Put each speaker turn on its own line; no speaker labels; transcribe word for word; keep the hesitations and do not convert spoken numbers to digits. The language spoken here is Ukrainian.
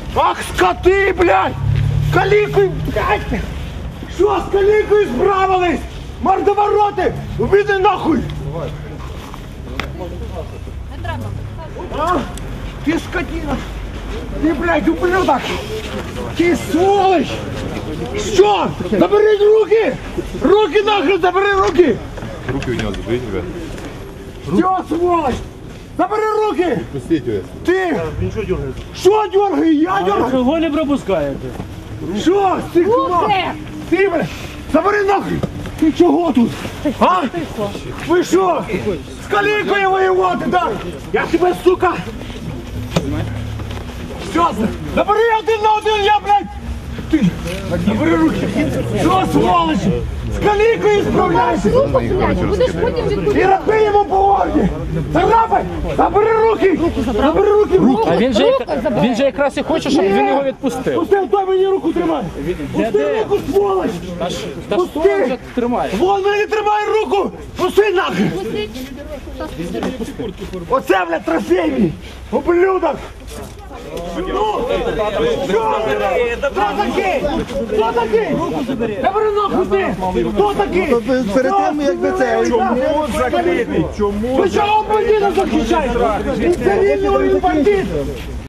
Ах, скоти, блядь! Калікою, блядь! Що з калікою справились? Мордовороти! Убіди нахуй! А? Ти скотина! Ти, блядь, ублюдок! Ти сволочь! Що? Забери руки! Руки нахрен, забери руки!
Руки у него заберите, ребят.
Все, сволочь! Забери руки!
Пустите его.
Ти!
Він що дергається?
Що дергає? Я дергаю!
Чого не пропускаєте?
Що? Стекло! Ти, блядь! Забери нахрен! Ти чого тут? А? Ви що? З калікою воювати, так? Я тебе, сука! Що? Забери один на один, я, блядь! Ти! Забери руки! Що, сволочь? З калікою справляйся!
Будеш потім
І
відповідати.
роби йому по морді! Царапай! Забери руки! Забери руки! Руки!
А він же, він же якраз і хоче, щоб він його відпустив.
Пусти, той мені руку тримай! Пусти руку, сволочь!
Та що він вже тримає?
Вон мені тримає руку! Пусти нахрен! Оце, блядь, трофей мій! Ублюдок! Ну! Що? Хто такий? Хто такий? Я беру нахуй ти! Хто такий?
Перед тим, якби це...
Чому закритий? Чому? Ви чого бандита захищаєте? Він цивільний, він бандит!